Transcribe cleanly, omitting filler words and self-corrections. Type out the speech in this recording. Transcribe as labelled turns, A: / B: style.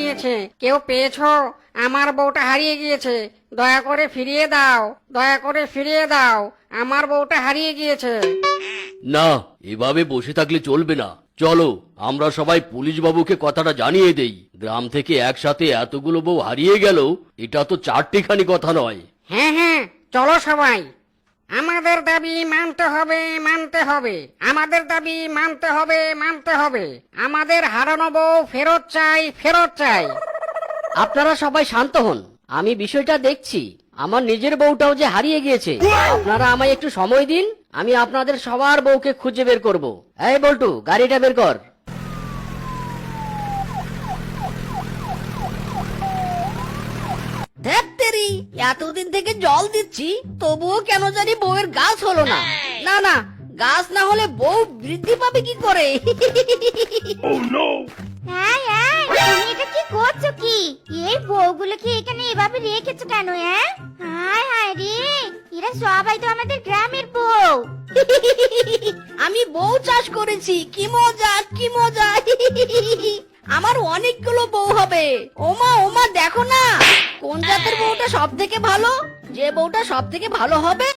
A: নিয়েছে। কেউ পেয়েছো? আমার বউটা হারিয়ে গিয়েছে, দয়া করে ফিরিয়ে দাও, দয়া করে ফিরিয়ে দাও, আমার বউটা হারিয়ে গিয়েছে।
B: না, এভাবে বসে থাকলে চলবে না। চলো আমরা সবাই পুলিশ বাবুকে কথাটা জানিয়ে দেই। গ্রাম থেকে একসাথে এতগুলো বউ হারিয়ে গেল, এটা তো চারটিখানি কথা নয়।
A: হ্যাঁ হ্যাঁ, চলো সবাই। আমাদের দাবি মানতে হবে, মানতে হবে, আমাদের দাবি মানতে হবে, মানতে হবে। আমাদের হারানো বউ ফেরত চাই, ফেরত চাই।
C: আপনারা সবাই শান্ত হন, আমি বিষয়টা দেখছি। আমার নিজের বউটাও যে হারিয়ে গিয়েছে। আপনারা আমায় একটু সময় দিন, আমি আপনাদের সবার বউকে খুঁজে বের করব। এই বল্টু, গাড়িটা বের কর। ধ্যাত্তেরি, এতদিন থেকে জল দিচ্ছি, তবুও কেন জানি বউয়ের গাছ হলো না। না না, গাছ না হলে বউ বৃদ্ধি পাবে কি করে?
D: হ্যাঁ হ্যাঁ, তুমি এটা কি করছো কি? এই বউগুলোকে এখানে এভাবে রেখেছো কেন? হায় হায় রে, এরা সবাই তো আমাদের গ্রামের বউ।
C: আমি বউ চাষ করেছি, কি মজা কি মজা। আমার অনেকগুলো বউ হবে। ওমা ওমা, দেখো না কোন জাতের বউটা সব থেকে ভালো। যে বউটা সব থেকে ভালো হবে